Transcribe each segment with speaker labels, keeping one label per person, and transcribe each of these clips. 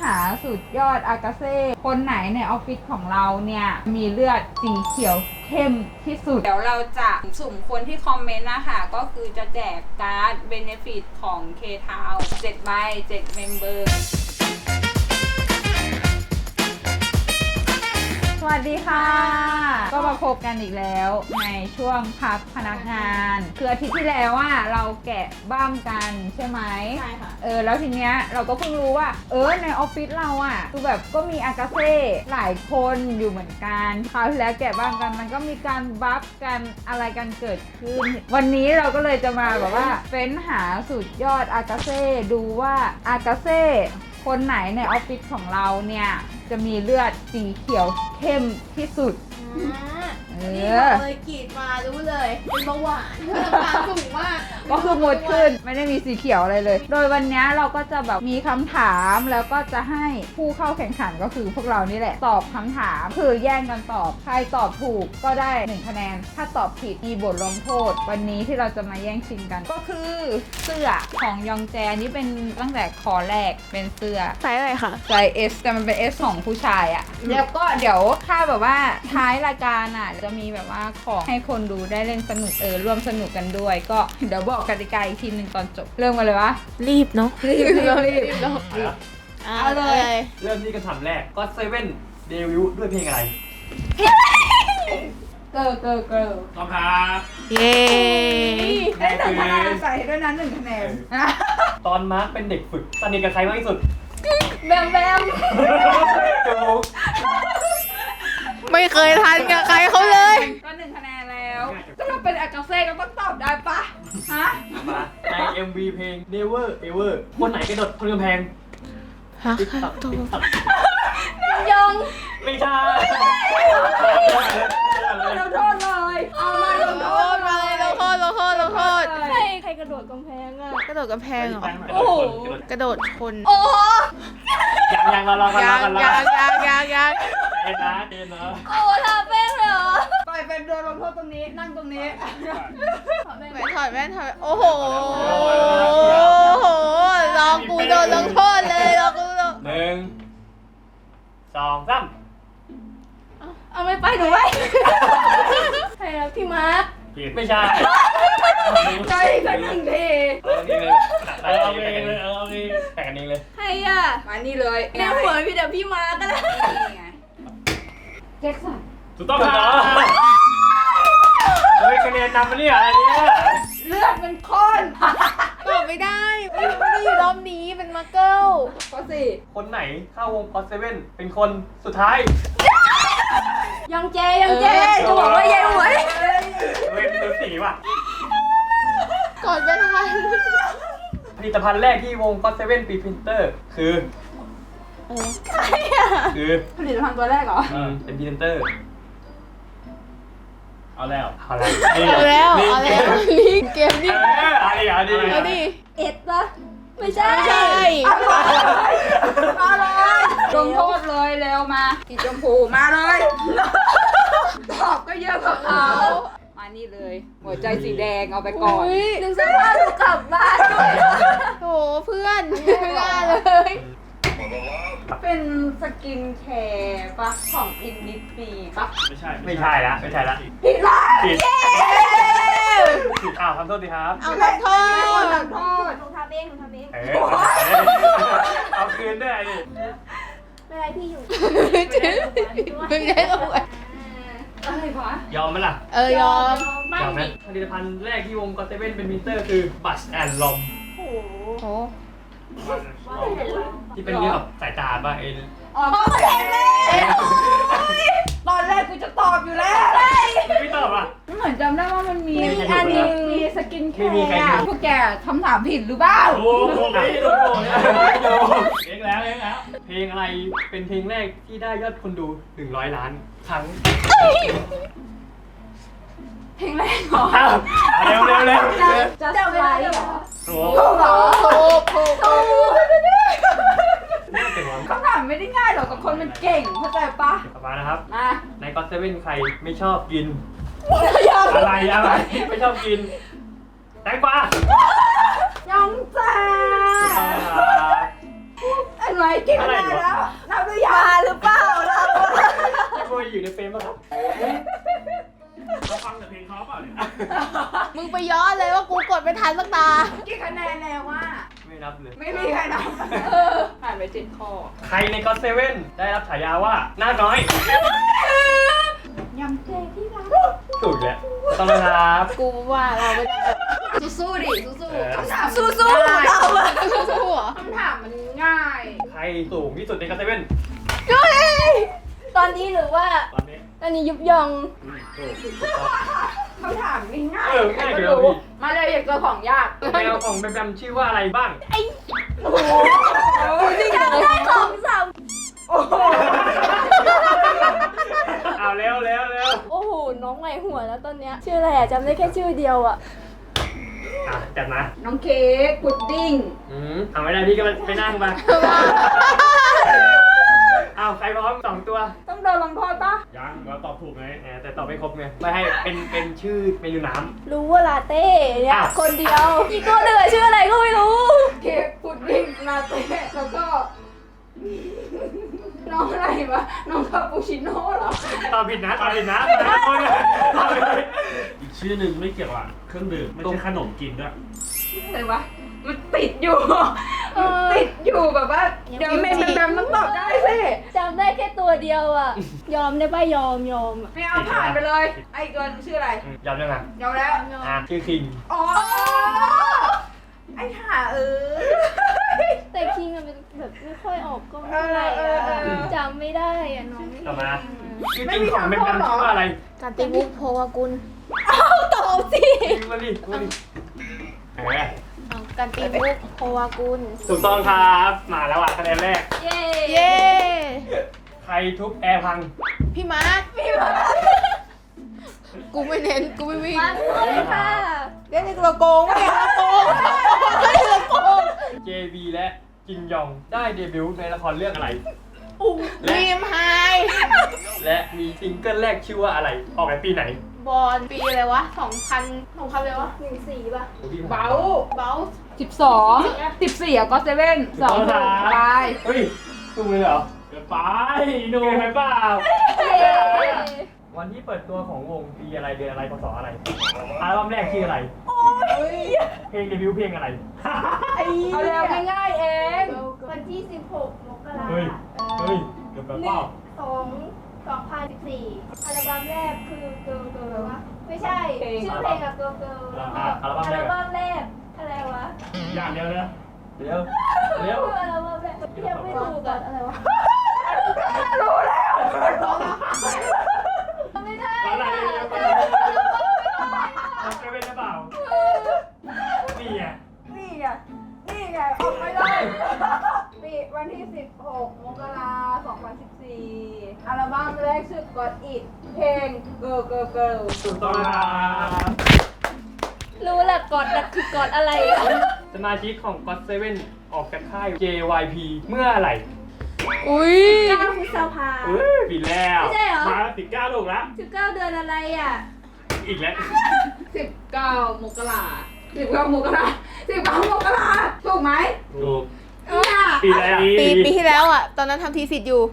Speaker 1: หาสุดยอดอากาเซ่คนไหนในออฟฟิศของเราเนี่ยมีเลือดสีเขียวเข้มที่สุดเดี๋ยวเราจะสุ่มคนที่คอมเมนต์นะคะก็คือจะแจกการ์ดเบเนฟิตของ K-Town 7 ใบ 7 เมมเบอร์สวัสดีค่ะก็มาพบกันอีกแล้วในช่วงพักพนักงานคืออาทิตย์ที่แล้วเราแกะบ้ามกันใช่ไหม
Speaker 2: ใช่ค่ะ
Speaker 1: แล้วทีเนี้ยเราก็เพิ่งรู้ว่าในออฟฟิศเราคือแบบก็มีอากาเซ่หลายคนอยู่เหมือนกันคราวที่แล้วแกะบ้ามกันมันก็มีการบัฟกันอะไรกันเกิดขึ้นวันนี้เราก็เลยจะมาแบบว่าเฟ้นหาสุดยอดอากาเซ่ดูว่าอากาเซ่คนไหนในออฟฟิศของเราเนี่ยจะมีเลือดสีเขียวเข้มที่สุด
Speaker 2: นี่บอกเลยกรีดมารู้เลยเป็นเบาหวานน้ำตาลสูงมาก
Speaker 1: ก็คือหมดขึ้นไม่ได้มีสีเขียวอะไรเลยโดยวันนี้เราก็จะแบบมีคำถามแล้วก็จะให้ผู้เข้าแข่งขันก็คือพวกเรานี่แหละตอบคำถามคือแย่งกันตอบใครตอบถูกก็ได้1คะแนนถ้าตอบผิดมีบทลงโทษวันนี้ที่เราจะมาแย่งชิงกันก็คือเสื้อของยองแจนี่เป็นตั้งแต่คอแรกเป็นเสื้อ
Speaker 2: ไซส์อะไรคะ
Speaker 1: ไซส์ S แต่มันเป็น S ของผู้ชายแล้วก็เดี๋ยวถ้าแบบว่าท้ายรายการจะมีแบบว่าของให้คนดูได้เล่นสนุกร่วมสนุกกันด้วยก็เดี๋ยวบอกกติกาอีกทีหนึ่งตอนจบเริ่มกันเลยวะ
Speaker 2: รีบเนาะ
Speaker 1: รีบ
Speaker 2: เอาเลย
Speaker 3: เริ่มที่คำถามแรกก็เซเว่นเดบิวต์ด้วยเพลงอะไร
Speaker 1: เกิร์ล
Speaker 3: ต้องครับ
Speaker 2: เย้
Speaker 1: ได้1คะแนนใส่ด้วยนั้น1คะแนน
Speaker 3: ตอนมาร์คเป็นเด็กฝึกสนิทกับใครมากที่สุด
Speaker 1: แบม
Speaker 3: ถูก
Speaker 2: ไม่เคยทันกับใครเขาเลย
Speaker 1: ก็1คะแนนแล้วก็ถ้าเป็นอากาเซ่ก็ต้องตอบได้ปะฮะ
Speaker 3: ใน MV เพลง Never Ever คนไหนกระโดดคนกำแพง
Speaker 2: ติ๊กตัก
Speaker 1: ยอง
Speaker 3: ไม่ใช่
Speaker 1: ลงโทษเลยเอามาลงโทษ
Speaker 2: มาเลยลงโทษใครกระโดดกำแพงกระโดดกำแพงเหรอ
Speaker 1: โอ้โห
Speaker 2: กระโดดชน
Speaker 1: โอ้
Speaker 3: ยังเรากัน
Speaker 2: ยัง
Speaker 3: เอ็นนะ
Speaker 1: โอ้ทำเป็นเหรอไปเป็นเดินลงโทษตรงนี้นั่งตรงนี้
Speaker 2: ถอดแว่นโอ้โหรอกูโดนลงโทษเลยรอกูโดน
Speaker 3: 1 2 3
Speaker 2: เอาไม่ไปหนูไว้ใครแล้วพี่มาร์ค
Speaker 3: ไม่ใช่
Speaker 1: ใช่กัน1 ที
Speaker 3: เอาเลยแต่กันเองเลย
Speaker 2: ใคร
Speaker 1: มานี่เลย
Speaker 2: ในหัวพี่เดี๋ยวพี่มาร์คก็ได้
Speaker 1: แจ็คสัน
Speaker 3: ถูกต้องครับเฮ้ยคะแนนนำมาเนี่ยอะไรเนี่ย
Speaker 1: เลือดเป็นข้น
Speaker 2: ตอบไม่ได้ไม่ได้อยู่รอบนี้เป็นมาร์เกิล
Speaker 1: ข้อ4
Speaker 3: คนไหนเข้าวงก็อตเซเว่นเป็นคนสุดท้าย
Speaker 2: ยังเจจะบอกว่ายายหวย
Speaker 3: เฮ้ยดูสีว่ะ
Speaker 2: ก่อนไม่ทัน
Speaker 3: ผลิตภัณฑ์แรกที่วงก็อตเซเว่นปีพรินเตอร์คือ
Speaker 2: ใคร
Speaker 3: คือ
Speaker 1: ผลิตภัณฑ์ตัวแรกเหรอ
Speaker 3: เป็นพรีเซนเตอร์เอาแล้ว
Speaker 2: ลิงเกมนี่
Speaker 3: เอาดิ
Speaker 2: เอ็ดปะไม่ใช่
Speaker 1: อะไรลงโทษเลยเร็วมาสีชมพูมาเลยตอบก็เยอะกว่าเขามานี่เลยหัวใจสีแดงเอาไปก่อน
Speaker 2: นึกสภาพกลับบ้านโถเพื่อนไม่ได้เลย
Speaker 1: เป็นสกินแคร์ปะของอินนิปีปะ
Speaker 3: ไม่ใช่ละ
Speaker 1: ผิดละ
Speaker 3: ทำโทษดีครับ
Speaker 2: เอาทำโทษ
Speaker 1: หนูทำเอง
Speaker 3: เอาคืนด้วยดิ
Speaker 2: ไม่ไรพี่อยู่ไม่ได้หรอก
Speaker 1: อะไรวะ
Speaker 3: ยอมไหมล่ะ
Speaker 2: ยอม
Speaker 3: ไหมผลิตภัณฑ์แรกที่วงก็อตเซเว่นเป็นมิเตอร์คือบัชแอนด์ลอม
Speaker 2: โอ้โห
Speaker 3: ที่เป็นเรื่องแบบสายตาป่ะ
Speaker 1: ตอนแรกกูจะตอบอยู่แล้ว
Speaker 3: ไม่ตอบอ่ะ
Speaker 1: เหมือนจำได้ว่ามันมีอันนึงมีสกินแคร์พวกแกคำถามผิดหรือเปล่า
Speaker 3: โอ้โหเลี้ยงแล้วเพลงอะไรเป็นเพลงแรกที่ได้ยอดคนดู100 ล้านครั้ง
Speaker 1: เพลงแรกเหรอ
Speaker 3: เร็ว
Speaker 1: จะไลฟ์เหรอถูกคำถามไม่ได้ง่ายหรอกแต่คนมันเก่งเข้าใจปะ
Speaker 3: ต่อมานะครับ
Speaker 1: มา
Speaker 3: ในก็อตเซเว่นใครไม่ชอบกินอะไรไม่ชอบกินแตงกวาย
Speaker 1: องจ้าไอ้หนูไหมกี่คะแนนแล้วนับหรือยัง
Speaker 2: มาหรือเปล่าเรา
Speaker 3: พี่โบอยู่ในเฟรมป่ะครับ
Speaker 4: เขาฟังแต่เพลงเขาเปล่าเนี่ย
Speaker 2: มึงไปย้อนเลยว่ากูกดไม่ทันสักตา
Speaker 1: กี่คะแนนแล้วว่า
Speaker 3: ไม่นับเลย
Speaker 1: ไม่มีใครนับผ่านไป7 ข้อ
Speaker 3: ใครในก็อตเซเว่นได้รับฉายาว่าหน้าน้อย
Speaker 1: ยำเจที่รัก
Speaker 3: ถูกแล้วต้องนะครับ
Speaker 2: กูว่าเราไม่ได้
Speaker 1: สู้ๆดิสู้
Speaker 3: เออ
Speaker 1: ๆคำถาม
Speaker 2: สู้ๆเราอะสู้ๆเหรอ
Speaker 1: คำถามมันง่าย
Speaker 3: ใครสูงที่สุดในก็อตเซเว่น
Speaker 2: ตอนนี้หรือว่า
Speaker 3: ตอนนี้
Speaker 2: ตอนนี้ยุบยอง
Speaker 3: ถูกต้อง
Speaker 1: คำถามง่าย
Speaker 3: เออ
Speaker 1: ใคร
Speaker 3: ง่าย
Speaker 1: ก็
Speaker 3: เดี๋ยว
Speaker 1: รู้
Speaker 3: พี่
Speaker 1: มาเลยอยากเจอของยาก
Speaker 3: แมวของแบมชื่อว่าอะไรบ้าง
Speaker 2: จำได้2-3
Speaker 1: โอ้โห
Speaker 3: เอาเร็ว
Speaker 2: โอ้โห น้องใหม่หัวแล้วตอนเนี้ยชื่ออะไรอะจำได้แค่ชื่อเดียวอะ
Speaker 3: อ่ะจัดมา
Speaker 1: น้องเค้กพุดดิ้ง
Speaker 3: ทำไม่ได้พี่ก็ไปนั่งมาเอาใครพร้อม2 ตัว
Speaker 1: ต้องโดนลงโทษปะ
Speaker 4: ยังเราตอบถูกไง
Speaker 3: แต่ตอบไม่ครบไงไม่ให้เป็นชื่อเมนูน้
Speaker 2: รู้ว่าลาเต้เนี่ย
Speaker 3: อ้าว
Speaker 2: คนเดียว อีกตัวเหลือชื่ออะไรก็ไม่รู้
Speaker 1: เค้กพุดดิ้งลาเต้แล้วก็ น้องอะไรวะน้องคาปูชิโน่เหรอ
Speaker 3: ำตอบผิดนะตอบผิดนะตอบผิด
Speaker 4: อีกชื่อหนึ่งไม่เกี่ยวกับเครื่องดื่มไม่ใช่ขนมกินด้วย
Speaker 1: อะไรวะมันติดอยู่ติดอยู่แบบว่าเดี๋ยวเมย์แบบต้องตอบได้สิ
Speaker 2: จำได้แค่ตัวเดียวอะยอมได้ป่ะยอมอะ
Speaker 1: ไม่เอาผ่านไปเลย ไอ้เกินชื่ออะไร
Speaker 3: ยอมยังไง
Speaker 1: ยอมแล้ว
Speaker 3: ชื่อคิง
Speaker 1: อ๋อไอ้ห่า
Speaker 2: แต่คิงอะเป็นแบบไม่ค่อยออกกล้องเท่าไหร่อะจำไม่ได้อะน้อง
Speaker 3: ต่อมาชื่อจริงของแบมชื่อว่าอะไร
Speaker 2: การติมุกโพวากุลตอบสิ
Speaker 3: มาดิเออ
Speaker 2: การติมุกโพวากุล
Speaker 3: ถูกต้องครับมาแล้วอ่ะคะแนนแรก
Speaker 2: เย้
Speaker 3: ใครทุบแอร์พัง
Speaker 2: พี่มาร์คกูไม่เน้นกูไม่วิ่งมาเลยค่ะเล่นในตัวโกงไม่ใช่ตัวโกงไม่ใช่ตัวโกง
Speaker 3: JB และจินยองได้เดบิวต์ในละครเรื่องอะไร
Speaker 2: รีมไฮ
Speaker 3: และมีซิงเกิลแรกชื่อว่าอะไร ออกในปีไหน
Speaker 2: บอลปีอะไรวะ2000เลยวะ14ป่ะ
Speaker 1: เบา
Speaker 2: เบล
Speaker 1: 14อ่ะก็เซเว่น2 ไป
Speaker 3: เฮ้ยถูกเลยเหรอ
Speaker 4: เกินไป
Speaker 3: ดู
Speaker 4: ดู
Speaker 3: ไหมเปล่า วันที่เปิดตัวของวงปีอะไรเดือนอะไรพศอะไรอัลบั้มแรกชื่ออะไรเพลงเดบิวต์เพลงอะไร
Speaker 1: เอาเร็วง่ายๆเอง
Speaker 2: วันที่16 มกรา
Speaker 3: เฮ้ยเกือบแบบเปล่า
Speaker 2: 2014 อัลบั้มแรกคือเกิร์ลเกิร์ลวะไม่ใช่ ชื่อเพลงอะเกิร์ลเกิร์ลแล้วก็อัลบั้มแรกอะไรวะ
Speaker 4: อย่างเดียวเลย
Speaker 3: เร็วเร็ว
Speaker 2: อัลบั้มแรกยังไม่ถูกอะอะไรวะ
Speaker 1: รู้แล้ว
Speaker 2: ไม่ได้
Speaker 3: อะไร
Speaker 2: อะ
Speaker 3: เร็วไปเอาเซเว่นหรือเปล่านี่ไง
Speaker 1: นี่ไงออกไปเลยปีวันที่ 16 มกราคม 2014 อัลบั้มแรกชื่อ Got It เพลง Girl Girl Girl
Speaker 3: ถูกต้องครับ
Speaker 2: รู้แหละกอดอะคือกอดอะไรอะ
Speaker 3: สมาชิกของ GOT7 ออกจากค่าย JYP เมื่อไหร่
Speaker 2: อุ้ย9 พฤษภา
Speaker 3: ปีแล้ว
Speaker 2: ไม่ใช่เหรอ
Speaker 4: มาติดก้าวถูกแล้ว
Speaker 2: 19 เดือนอะไรอะ
Speaker 3: อีกแล้ว
Speaker 1: 19 มกรา19 มกรา19 มกราถูกไหม
Speaker 4: ถูก
Speaker 1: เนี่ย
Speaker 3: ปีอะไรอ่ะ
Speaker 2: ปีที่แล้วอะตอนนั้นทำทีสิทธิ์อยู่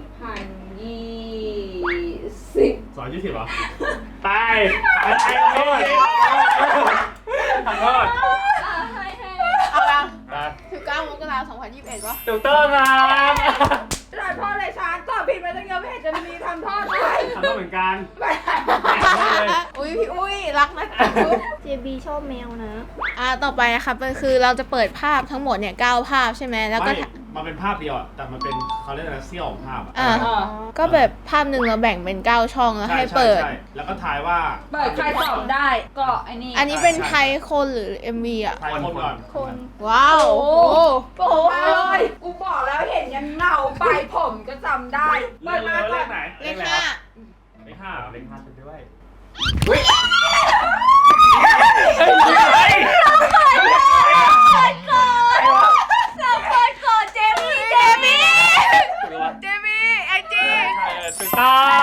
Speaker 1: 2020
Speaker 4: สอน20เหรอ
Speaker 3: ไปไปขอโทษขอโทษ
Speaker 2: เอาละ
Speaker 3: อ่ะ
Speaker 2: 19 มกราคม 2021วะ
Speaker 3: ถูกต้องครับ
Speaker 1: จะได้โทษเลยช้างตอบผิดไปตั้งเยอะไม่เห็นจะมีทำโทษเลย
Speaker 3: ทำได้เหมือนกัน
Speaker 1: ไป
Speaker 2: อุ้ยพี่อุ้ยรักนะเจบีชอบแมวนะต่อไปนะคะมันคือเราจะเปิดภาพทั้งหมดเนี่ย9 ภาพใช่ไหมแล้วก็
Speaker 4: ไม่มันเป็นภาพเดียวอะแต่มันเป็นเขาเรียกอะไรเสี้ยวของภาพอะ
Speaker 2: ก็แบบภาพหนึ่งเราแบ่งเป็น9 ช่องแล้วให้เปิด
Speaker 4: ใช่แล้วก็ทายว่า
Speaker 1: เปิดใครตอบได้ก็ไอ้นี่
Speaker 2: อันนี้เป็นไทยคนหรือ MV อ่ะ
Speaker 4: ทายคนก่อน
Speaker 2: ว้าว
Speaker 1: โอ้โหเลยกูบอกแล้วเห็นยันเงาไปผมก็จำได้เปิดมาก่อน
Speaker 4: ไหน
Speaker 2: เลขห้า
Speaker 4: เลขห้าเหรอ
Speaker 3: เล็งพาสุดด้วย
Speaker 2: เฮ้ย ก่อนเจมี่ไอจี
Speaker 3: ถูกต้อง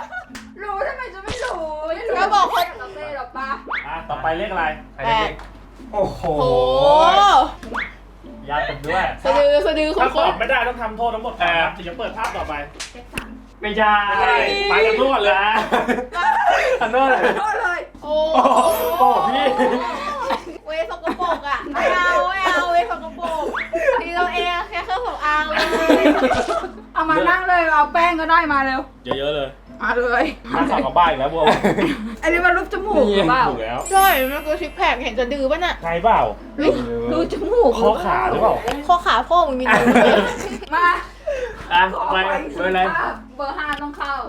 Speaker 1: รู้ทำไมจะไม่รู้
Speaker 2: ก็บอกคน
Speaker 1: เราเต้หรอกปะ
Speaker 4: ต่อไปเลขอะไร
Speaker 3: ใครเล็กโอ้โห
Speaker 2: โอ้
Speaker 3: ยากกันด้วย
Speaker 2: สะดือ
Speaker 4: ถ้า
Speaker 2: ค
Speaker 4: ต
Speaker 2: น
Speaker 4: อบไม่ได้ต้องทำโทษทั้งหมดก่อนนะถึงจะเปิดภาพต่อไป
Speaker 3: ไม่ใช่
Speaker 4: ไปกันทั่วเลย
Speaker 3: อันนั้นเลย
Speaker 1: โทษเลย
Speaker 2: โอ้
Speaker 3: โอ้พี่
Speaker 2: เวสกปรกอ่ะไม่เอาเวสกปรกทีเราเองแค่เครื่องสำอางเลย
Speaker 1: เอามานั่งเลยเอาแป้งก็ได้มาเร็ว
Speaker 4: เยอะๆเลย
Speaker 1: มาเลย
Speaker 4: มาสอบกับบ้านอีกแล้วบัว
Speaker 1: อันนี้มันรูปจมูกหรือเปล่า
Speaker 4: ถูกแล้ว
Speaker 2: ใช่มันคือซิกแพคเห็นสะดือป่ะน่ะ
Speaker 4: ใช่เปล่า
Speaker 1: รูปจมูก
Speaker 4: ข้อขาหรือเปล่า
Speaker 2: ข้อขาพ่อมึงมีนิ้วเลย
Speaker 1: มา
Speaker 3: อ่ะ
Speaker 1: ขอ
Speaker 3: ไป
Speaker 1: ไป
Speaker 3: เบอร์อะไร
Speaker 1: เบอร์5ต้องเข้า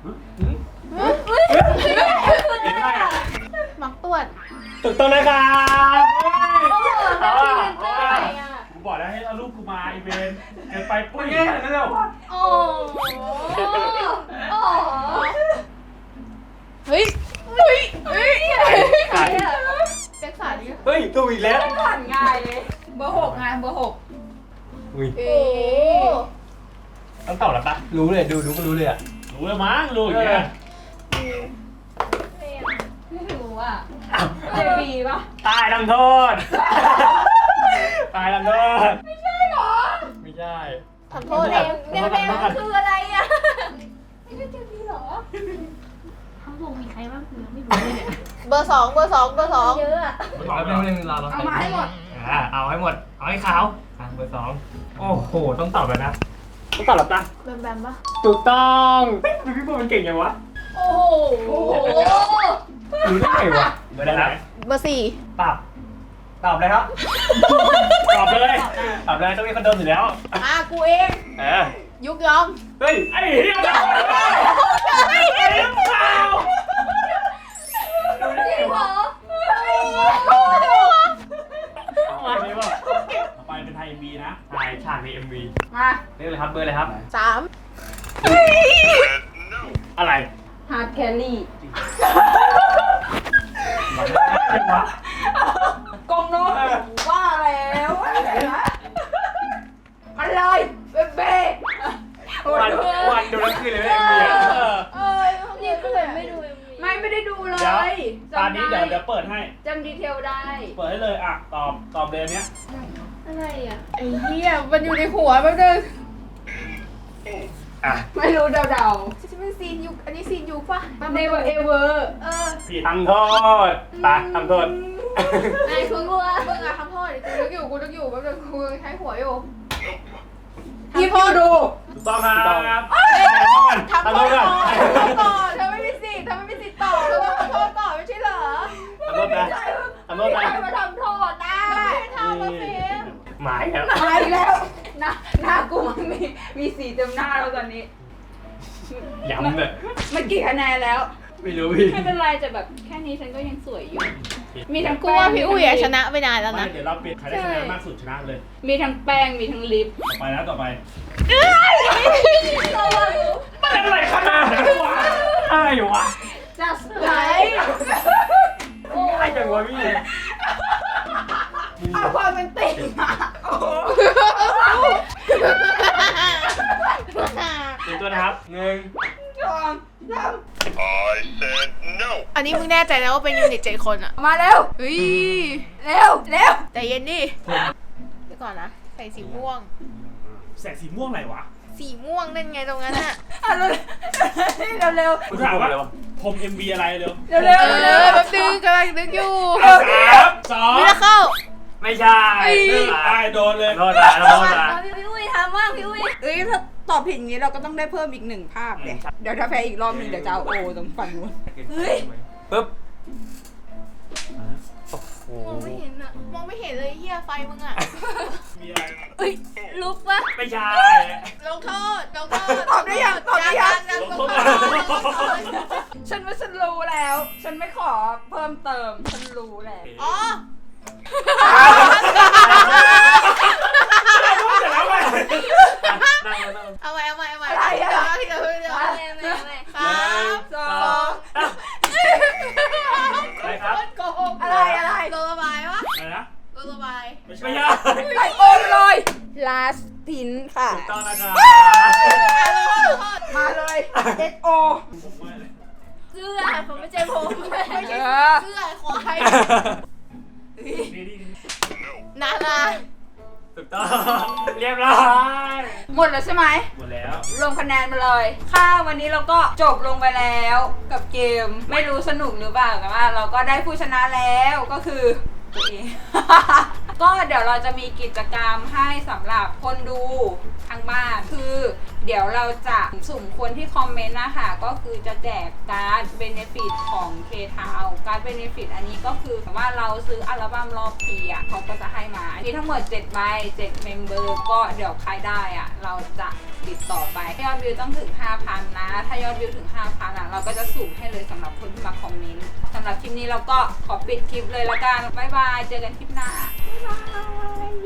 Speaker 3: เห็นไหมอ่ะ
Speaker 2: มักตรวจ
Speaker 3: ถูกต้องนะครับเอาอ่ะ
Speaker 4: กูบอกแล้วให้เอารูปกูมาอีเวนต์เกินไปปุ้ย
Speaker 3: เงี้ยนั่นเร็ว
Speaker 2: โอ้เฮ้ยแจ็คสันเนี่ย
Speaker 3: เฮ้ยถูกอีกแล้ว
Speaker 1: ผ่านง่ายเลย เบอร์6ไงเบอร์6
Speaker 3: อุ้ย
Speaker 2: โอ้
Speaker 3: ต้องตอบแล้วปะรู้เลยดูก็รู้เลยอ่ะ
Speaker 4: รู้แล้วมั้งรู้อย่างเงี้ย
Speaker 1: ไม่รู้อ่ะเจบีป่ะ
Speaker 3: ตายทำโทษตายทำโทษไม่ใช่หรอไม่ใช่
Speaker 2: ทำโทษเองเนี่ยเพลงมันคืออะไรอ่ะ
Speaker 5: ทั้งวงมีใครบ้างคือไม่รู้เลยเนี่ย
Speaker 2: เบอร์สองเยอะอะ
Speaker 3: แล้วเป็นเรื่องราว
Speaker 1: เอามาให้หมด
Speaker 3: เอาให้หมดเอาให้ขาวเบอร์2โอ้โหต้องตอบแล้วนะต้องตอบแล้วปะ
Speaker 2: แบมแบมปะ
Speaker 3: ถูกต้องพี่ปุ๊มันเก่งยังวะ
Speaker 2: โอ้โห
Speaker 3: รู้ได้ไงวะเบอร์อะไรครับ
Speaker 2: เบอร์สี่
Speaker 3: ตอบเลยครับ ตอบเลยต้องมีคนโดนอยู่แล้ว
Speaker 2: กูเอง ยุกยอม
Speaker 3: เฮ้ยไอ้เหี้ยไอ้เหี้ยเปล่าดูได้ไงวะอันนี้ว่า
Speaker 4: ต่อไปเป็นไทย MV นะ
Speaker 3: ถ่ายฉากใน MV
Speaker 1: มา
Speaker 3: เรียกเลยครับเบอร์อะไรครับ
Speaker 2: สาม
Speaker 3: อะไร
Speaker 1: ฮาร์ดแคลรี่
Speaker 3: เป็นวะ
Speaker 1: กงโน้ตว่าแล้วมันเลยเบ๊ะ
Speaker 3: วันดูแล้วคือเลยไม่ MV
Speaker 2: นี่ก็เลยไม่ดู
Speaker 1: ไม่ได้ดูเล
Speaker 4: เดี๋ยวย ตอนนี้เดี๋ยวเปิดให้
Speaker 1: จำดีเทลได้
Speaker 4: เปิดให้เลยอ่ะตอบเลยอันเนี้ย
Speaker 2: อะไรอ่ะไอ้เหี้ยมันอยู่ในหัวแป๊บนึง
Speaker 3: อ่ะ
Speaker 1: ไม่รู้เดา
Speaker 2: จะเป็นซีนยุกอันนี้ซีนยุกปะ
Speaker 1: ๆ Never ever
Speaker 4: ผิด
Speaker 3: ทำโทษไปทำโทษ
Speaker 2: ไอ้คุณกูมึงอะทำโทษดิกูนึกอยู่แป๊บนึงกูใช้หัวอยู่
Speaker 1: ยิบอยู่ดู
Speaker 4: ถูกต้องครับ
Speaker 2: ทำโทษก่อนเธอไม่มีสิทธิ์ต่อเธอต้องทำโทษก่อนไม่ใช่เหรอ
Speaker 3: ทำโทษนะทำโทษนะ
Speaker 2: ใครมาทำโทษได้ทำมาสิ
Speaker 3: หมายครับ
Speaker 1: มาอีกแล้วหน้ากูมันมีสีเต็มหน้าแล้วตอนนี้
Speaker 3: ย้ำเลย
Speaker 1: มันกี่คะแนนแล้ว
Speaker 3: ไม่รู้พี่
Speaker 1: ไม่เป็นไรแต่แบบแค่นี้ฉันก็ยังสวยอยู่ มีทั้ง
Speaker 2: กู
Speaker 1: แป้
Speaker 2: ว่าง พี่อุ้ยอะชนะไปนานแล้ว
Speaker 4: ไม่
Speaker 2: นะ
Speaker 4: เดี๋ยวเราปิดใครได้คะแนนมากสุดชนะเลย
Speaker 1: มีทั้งแป้งมีทั้งลิป
Speaker 4: ต่อไป
Speaker 3: มันอะไรขนาดนั้นวะอะไรอยู่วะ
Speaker 1: just
Speaker 2: ไหน
Speaker 3: อะไรจังวะพี่
Speaker 1: เอาความเป็นติ่งมา
Speaker 3: เตรียมตัวนะครับ1
Speaker 2: อันนี้มึงแน่ใจนะว่าเป็นยูนิต7 คนอะ
Speaker 1: 2มาเร็ว
Speaker 2: เฮ้ย
Speaker 1: เร็ว
Speaker 2: ใจเย็นดิเดี๋ยวก่อนนะใส่สีม่วง
Speaker 4: แสงสีม่วงไหนวะ
Speaker 2: สีม่วงนั่นไงตรงนั้นอะ
Speaker 1: เอาเร็วเร็ว
Speaker 4: กูถามว่าพรม MV อะไรเร็ว
Speaker 1: เร็วเร็ว
Speaker 2: แป๊บนึงกำลังนึกอยู่
Speaker 4: 3
Speaker 2: มิราเคิล
Speaker 3: ไม่ใช่
Speaker 4: 2ได้โดนเลย
Speaker 3: โทษนะโทษนะ
Speaker 5: พี่อุ้ยทำว่างพี่อุ้ย
Speaker 1: เอ้ยถ้าตอบผิดอย่างนี้เราก็ต้องได้เพิ่มอีก1ภาพเลยเดี๋ยวถ้าแพ้อีกรอบนึงเดี๋ยวจะเอาโอตรงฝั่งนู้น
Speaker 3: ปึ๊บ
Speaker 2: มองไม่เห็นอะมองไม่เห็นเลยเฮียไฟมึงอะ
Speaker 4: มีอะไร
Speaker 5: เอ้ยลุกปะ
Speaker 3: ไม่ใช่
Speaker 2: ลงโทษ
Speaker 1: ตอบได้ยัง
Speaker 2: ลงโทษ
Speaker 1: ฉันว่าฉันรู้แล้ว ฉันไม่ขอเพิ่มเติมฉันรู้แล้ว
Speaker 2: อ๋อ
Speaker 3: เสร็จแล้วไหมนั่ง
Speaker 2: เอาไว้ที่เรา
Speaker 5: ไม่
Speaker 2: 3
Speaker 1: 2
Speaker 3: อะไรครับ
Speaker 2: โกง
Speaker 1: อะไร
Speaker 2: โดนระบายวะ
Speaker 4: อะไรนะ
Speaker 2: โดนระบาย
Speaker 4: ไม่
Speaker 3: ไม่
Speaker 4: ใช่
Speaker 3: ใช่
Speaker 1: ใส่โอมเลย last pin ค่ะ
Speaker 3: ถูกต้องนะครับ
Speaker 1: มาเลย SO
Speaker 5: เสื้อผมไม่ใช่ผม
Speaker 2: ไม่ใช่เสื้อควายนารา
Speaker 3: ถูกต้องเรียบร้อย
Speaker 1: หมดแล้วใช่ไหม
Speaker 4: หมดแล้ว
Speaker 1: รวมคะแนนมาเลย ค่ะวันนี้เราก็จบลงไปแล้วกับเกม ไม่รู้สนุกหรือเปล่าแต่ว่าเราก็ได้ผู้ชนะแล้วก็คือตัวเอง ก็เดี๋ยวเราจะมีกิจกรรมให้สำหรับคนดูทางบ้านคือ เดี๋ยวเราจะสุ่มคนที่คอมเมนต์นะคะก็คือจะแจกการ์ดเบเนฟิตของ K-Town การ์ดเบเนฟิตอันนี้ก็คือว่าเราซื้ออัลบั้มรอบปีอ่ะเขาก็จะให้มามีทั้งหมด7ใบ7เมมเบอร์ก็เดี๋ยวใครได้อ่ะเราจะติดต่อไปยอดวิวต้องถึง 5,000 นะ ถ้ายอดวิวถึง 5,000 อ่ะเราก็จะสุ่มให้เลยสำหรับคนที่มาคอมเมนต์สำหรับคลิปนี้เราก็ขอปิดคลิปเลยละกันบ๊ายบายเจอกันคลิปหน้าบ๊ายบาย